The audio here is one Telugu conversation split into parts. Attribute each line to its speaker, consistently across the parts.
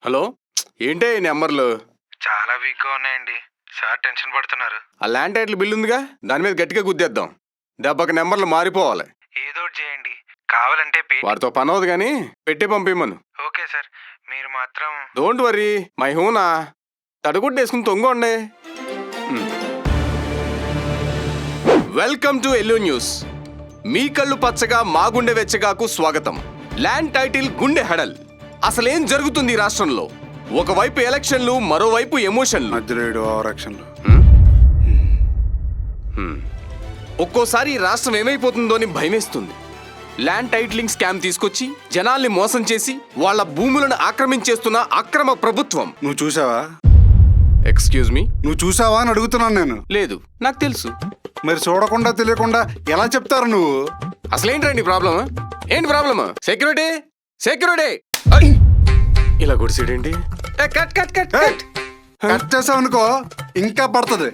Speaker 1: హలో, ఏంటే ఈ నెంబర్లు?
Speaker 2: చాలా వీక్గా ఉన్నాయండి. సార్ టెన్షన్ పడుతున్నారు.
Speaker 1: ఆ ల్యాండ్ టైటిల్ బిల్ ఉందిగా, దాని మీద గట్టిగా గుద్దేద్దాం. దెబ్బకి నెంబర్లు మారిపోవాలి.
Speaker 2: ఏదో ఒకటి చేయండి. కావాలంటే
Speaker 1: వాడితో పని అవదు కానీ పెట్టి పంపిమ్మను.
Speaker 2: ఓకే సార్, మీరు మాత్రం
Speaker 1: డోంట్ వరీ, మై హూనా. తడుగుడ్డేసుకుని తొంగండి. Welcome to Yellow News. మీ కళ్ళు పచ్చగా మా గుండె వెచ్చగాకు స్వాగతం. ల్యాండ్ టైటిల్ గుండె హెడల్. అసలేం జరుగుతుంది ఈ రాష్ట్రంలో? ఒకవైపు ఎలక్షన్లు, మరోవైపు ఎమోషన్లు. ఒక్కోసారి ఈ రాష్ట్రం ఏమైపోతుందో అని భయమేస్తుంది. ల్యాండ్ టైటిలింగ్ స్కామ్ తీసుకొచ్చి జనాల్ని మోసం చేసి వాళ్ళ భూములను ఆక్రమించేస్తున్న అక్రమ ప్రభుత్వం.
Speaker 3: నువ్వు చూసావా?
Speaker 1: ఎక్స్క్యూజ్ మీ,
Speaker 3: నువ్వు చూసావా అని అడుగుతున్నాను నేను.
Speaker 1: లేదు, నాకు తెలుసు.
Speaker 3: మరి చూడకుండా తెలియకుండా ఎలా చెప్తారు నువ్వు?
Speaker 1: అసలేంటండి ప్రాబ్లమ్? ఏంటి ప్రాబ్లమ్? Security, security! ఇలా గుడిసేడేంటి? Cut cut cut cut
Speaker 3: cut చేసావు అనుకో ఇంకా పడుతుంది.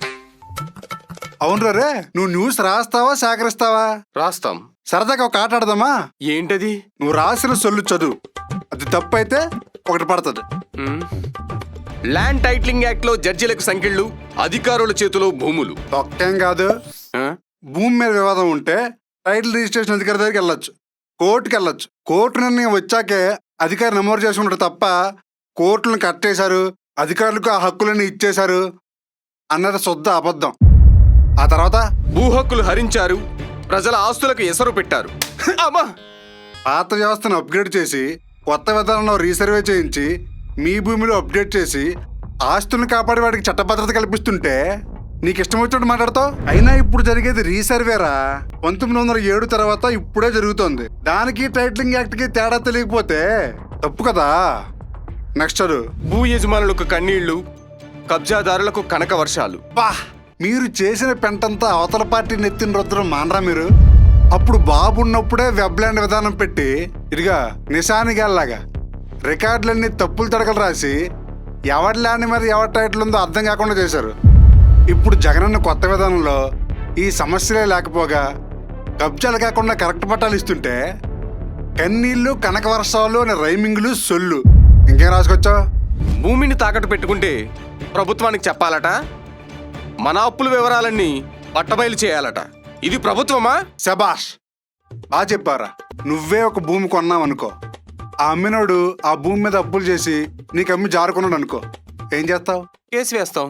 Speaker 3: అవును రే, నువ్వు న్యూస్ రాస్తావా సేకరిస్తావా?
Speaker 1: రాస్తాం.
Speaker 3: సరదాగా ఒక ఆట ఆడదామా?
Speaker 1: ఏంటది?
Speaker 3: నువ్వు రాసిన సొల్లు చదువు, అది తప్పు అయితే ఒకటి పడుతుంది.
Speaker 1: ల్యాండ్ టైటిలింగ్ యాక్ట్ లో జడ్జిలకు సంఖ్యలు, అధికారుల చేతిలో భూములు.
Speaker 3: ఒక్కేం కాదు, భూమి మీద వివాదం ఉంటే టైటిల్ రిజిస్ట్రేషన్ అధికారి దగ్గరికి వెళ్ళొచ్చు, కోర్టుకి వెళ్ళొచ్చు. కోర్టు నిర్ణయం వచ్చాకే అధికారి నమోదు చేసుకుంటారు తప్ప కోర్టులను కట్టేశారు, అధికారులకు ఆ హక్కులన్నీ ఇచ్చేశారు అన్నది శుద్ధ అబద్ధం. ఆ తర్వాత
Speaker 1: భూ హక్కులు హరించారు, ప్రజల ఆస్తులకు ఎసరు పెట్టారు.
Speaker 3: పాత వ్యవస్థను అప్గ్రేడ్ చేసి కొత్త విధానంలో రీసర్వే చేయించి మీ భూమిలో అప్డేట్ చేసి ఆస్తులను కాపాడే వాడికి చట్టభద్రత కల్పిస్తుంటే నీకు ఇష్టం వచ్చినట్టు మాట్లాడతావు. అయినా ఇప్పుడు జరిగేది రీసర్వేరా. 1907 తర్వాత ఇప్పుడే జరుగుతోంది. దానికి టైటిలింగ్ యాక్ట్ కి తేడా తెలియకపోతే తప్పు కదా. నెక్స్ట్
Speaker 1: భూ యజమానులకు కన్నీళ్లు, కబ్జాదారులకు కనక వర్షాలు.
Speaker 3: బా, మీరు చేసిన పెంటంతా అవతల పార్టీ నెత్తిన రుద్రం మానరా మీరు? అప్పుడు బాబు ఉన్నప్పుడే వెబ్లాండ్ విధానం పెట్టి ఇదిగా నిశానిగాల్లాగా రికార్డులన్నీ తప్పులు తడకలు రాసి ఎవరి ల్యాండ్ మీద ఎవరి టైటిల్ ఉందో అర్థం కాకుండా చేశారు. ఇప్పుడు జగనన్న కొత్త విధానంలో ఈ సమస్యలే లేకపోగా కబ్జాలు కాకుండా కరెక్ట్ పట్టాలు ఇస్తుంటే కన్నీళ్లు, కనక వర్షాలు అనే రైమింగ్లు, సొల్లు ఇంకేం రాసుకొచ్చావు?
Speaker 1: భూమిని తాకట్టు పెట్టుకుంటే ప్రభుత్వానికి చెప్పాలట, మన అప్పుల వివరాలన్నీ పట్టబయలు చేయాలట. ఇది ప్రభుత్వమా?
Speaker 3: శబాష్, బాగా చెప్పారా. నువ్వే ఒక భూమి కొన్నావనుకో, ఆ అమ్మినోడు ఆ భూమి మీద అప్పులు చేసి నీకు అమ్మి జారుకున్నాడు అనుకో, ఏం చేస్తావు?
Speaker 1: కేసు వేస్తాం.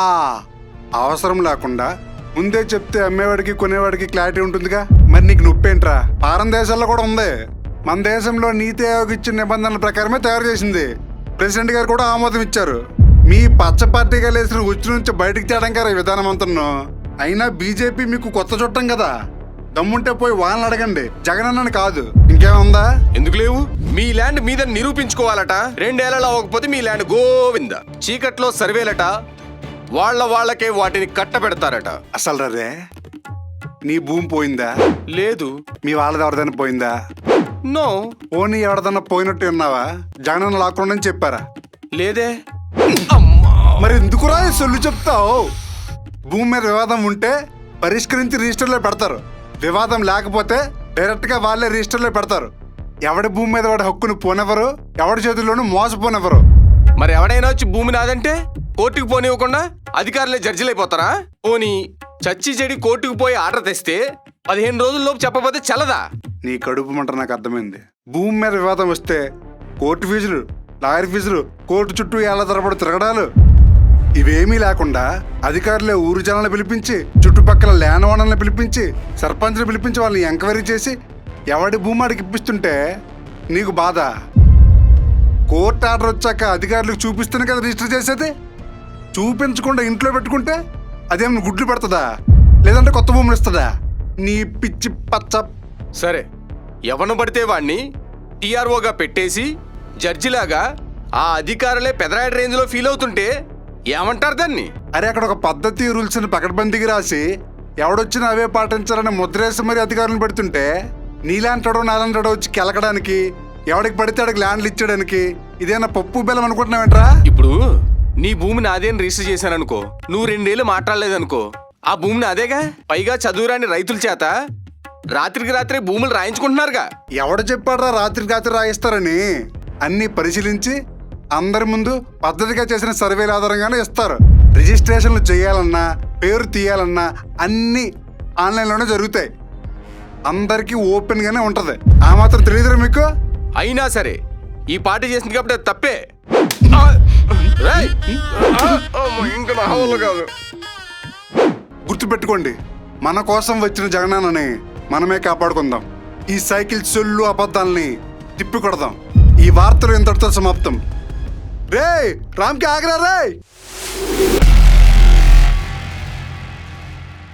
Speaker 3: అవసరం లేకుండా ముందే చెప్తే అమ్మేవాడికి కొనేవాడికి క్లారిటీ ఉంటుందిగా. మరి నీకు నొప్పేంట్రా? ఫారెన్ దేశాల్లో కూడా ఉంది. మన దేశంలో నీతి ఆయోగ్ ఇచ్చిన నిబంధనల ప్రకారమే తయారు చేసింది. ప్రెసిడెంట్ గారు కూడా ఆమోదం ఇచ్చారు. మీ పచ్చ పార్టీగా లేసిన ఉచ్చు నుంచి బయటికి తేడం గారు ఈ విధానం అంతా. అయినా బీజేపీ మీకు కొత్త చుట్టం కదా, దమ్ముంటే పోయి వాళ్ళని అడగండి, జగనన్నని కాదు. ఇంకేముందా?
Speaker 1: ఎందుకు లేవు? మీ ల్యాండ్ మీద నిరూపించుకోవాలట. 2 ఏళ్లలో అవ్వకపోతే మీ ల్యాండ్ గోవింద. చీకట్లో సర్వేలట, వాళ్ళకే వాటిని కట్టబెడతారట.
Speaker 3: అసలు రే, నీ భూమి పోయిందా?
Speaker 1: లేదు.
Speaker 3: మీ వాళ్ళది ఎవరిదైనా పోయిందా?
Speaker 1: నో.
Speaker 3: పోనీ ఎవరిదన్నా పోయినట్టు ఉన్నావా? జగనన్న లాక్కుండా అని చెప్పారా?
Speaker 1: లేదే.
Speaker 3: మరి ఎందుకురా సొల్లు చెప్తావు? భూమి మీద వివాదం ఉంటే పరిష్కరించి రిజిస్టర్లో పెడతారు. వివాదం లేకపోతే డైరెక్ట్ గా వాళ్ళే రిజిస్టర్లో పెడతారు. ఎవడి భూమి మీద వాడి హక్కును పోనెవరు, ఎవడి చేతుల్లోనూ మోసపోనెవరు.
Speaker 1: మరి ఎవడైనా వచ్చి భూమి నాదంటే కోర్టుకు పోనివ్వకుండా అధికారులే జడ్జిలైపోతారా? పోనీ చచ్చి చెడి కోర్టుకు పోయి ఆర్డర్ తెస్తే 15 రోజుల్లోపు చెప్పబోతే చల్లదా?
Speaker 3: నీ కడుపు మంట నాకు అర్థమైంది. భూమి మీద వివాదం వస్తే కోర్టు ఫీజులు, లాయర్ ఫీజులు, కోర్టు చుట్టూ ఏళ్ల తరబడి తిరగడాలు, ఇవేమీ లేకుండా అధికారులే ఊరు జనాలను పిలిపించి, చుట్టుపక్కల ల్యాండ్ ఓనర్లను పిలిపించి, సర్పంచ్ని పిలిపించి వాళ్ళని ఎంక్వైరీ చేసి ఎవడి భూమి ఆడికి ఇప్పిస్తుంటే నీకు బాధ. కోర్టు ఆర్డర్ వచ్చాక అధికారులకు చూపిస్తేనే కదా రిజిస్టర్ చేసేది. చూపించకుండా ఇంట్లో పెట్టుకుంటే అదేమన్నా గుడ్లు పెడుతుందా, లేదంటే కొత్త భూములు ఇస్తుందా? నీ పిచ్చి పచ్చ.
Speaker 1: సరే, ఎవను పడితే వాణ్ణి టీఆర్ఓగా పెట్టేసి జడ్జిలాగా ఆ అధికారులే పెదరాయడ రేంజ్లో ఫీల్ అవుతుంటే ఏమంటారు దాన్ని?
Speaker 3: అరే, అక్కడ ఒక పద్ధతి రూల్స్ ని పకడ్బందీకి రాసి ఎవడొచ్చినా అవే పాటించాలని ముద్రేసి మరి అధికారులను పెడుతుంటే నీలాంటాడో నాలంటాడో వచ్చి కెలకడానికి, ఎవడికి పడితే అడికి ల్యాండ్లు ఇచ్చడానికి ఇదేనా పప్పు బెల్లం అనుకుంటున్నావేంట్రా?
Speaker 1: ఇప్పుడు నీ భూమిని అదేని రిజిస్టర్ చేశాననుకో, నువ్వు 2 ఏళ్ళు మాట్లాడలేదనుకో, ఆ భూమిని అదేగా. పైగా చదువురాని రైతుల చేత రాత్రికి రాత్రే భూములు రాయించుకుంటున్నారుగా.
Speaker 3: ఎవడు చెప్పాడ్రా రాత్రికి రాత్రి రాయిస్తారని? అన్ని పరిశీలించి అందరి ముందు పద్ధతిగా చేసిన సర్వేల ఆధారంగానే ఇస్తారు. రిజిస్ట్రేషన్లు చేయాలన్నా పేరు తీయాలన్నా అన్నీ ఆన్లైన్లోనే జరుగుతాయి. అందరికీ ఓపెన్గానే ఉంటుంది. ఆ మాత్రం తెలియదురా మీకు?
Speaker 1: అయినా సరే ఈ పార్టీ చేసింది కాబట్టి అది తప్పే. రేయ్! ఇంకా నా వల్ల కాదు.
Speaker 3: గుర్తుపెట్టుకోండి, మన కోసం వచ్చిన జగనన్నని మనమే కాపాడుకుందాం. ఈ సైకిల్ సొల్లు అబద్ధాలని తిప్పికొడదాం. ఈ వార్తలు ఇంతటితో సమాప్తం. రేయ్, రామ్కి ఆగరా రేయ్.